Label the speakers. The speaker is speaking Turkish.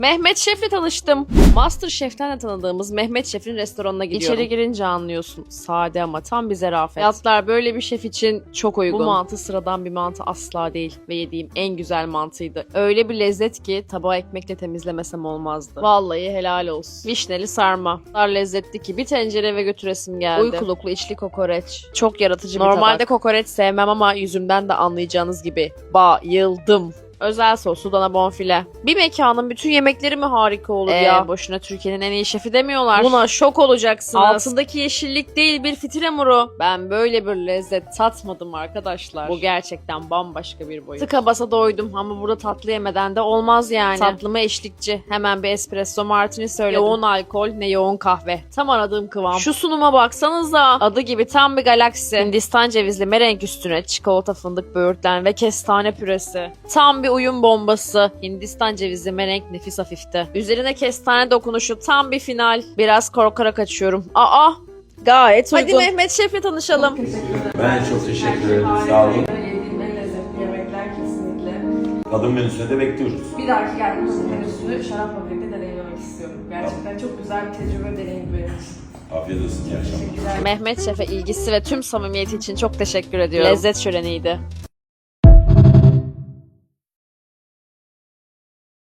Speaker 1: Mehmet Şef'le tanıştım. MasterChef'ten de tanıdığımız Mehmet Şef'in restoranına gidiyorum. İçeri girince anlıyorsun. Sade ama tam bir zarafet. Fiyatlar böyle bir şef için çok uygun. Bu mantı sıradan bir mantı asla değil. Ve yediğim en güzel mantıydı. Öyle bir lezzet ki tabağı ekmekle temizlemesem olmazdı. Vallahi helal olsun. Vişneli sarma. O kadar lezzetli ki bir tencere eve götüresim geldi. Uykuluklu içli kokoreç. Çok yaratıcı bir tabak. Normalde kokoreç sevmem ama yüzümden de anlayacağınız gibi bayıldım. Özel soslu dana bonfile. Bir mekanın bütün yemekleri mi harika olur ya? Boşuna Türkiye'nin en iyi şefi demiyorlar. Buna şok olacaksınız. Altındaki yeşillik değil bir fitil hamuru. Ben böyle bir lezzet tatmadım arkadaşlar. Bu gerçekten bambaşka bir boyut. Tıka basa doydum ama burada tatlı yemeden de olmaz yani. Tatlıma eşlikçi. Hemen bir espresso martini söyledim. Yoğun alkol ne yoğun kahve. Tam aradığım kıvam. Şu sunuma baksanıza. Adı gibi tam bir galaksi. Hindistan cevizli merenk üstüne çikolata fındık böğürtlen ve kestane püresi. Tam bir uyum bombası. Hindistan cevizi merenk nefis hafifti. Üzerine kestane dokunuşu tam bir final. Biraz korkarak açıyorum. Gayet uygun. Hadi Mehmet Şef'le tanışalım.
Speaker 2: Ben çok teşekkür ederim. Sağ olun.
Speaker 3: Yediğim en lezzetli yemekler kesinlikle.
Speaker 2: Tadım menüsüne de bekliyoruz.
Speaker 3: Bir dahaki geldiğimizde menüsünü şarapla birlikte deneyimlemek istiyorum. Gerçekten çok güzel bir tecrübe deneyim benim için.
Speaker 2: Afiyet olsun. İyi akşamlar.
Speaker 1: Mehmet Şef'e ilgisi ve tüm samimiyeti için çok teşekkür ediyorum. Lezzet şöleniydi.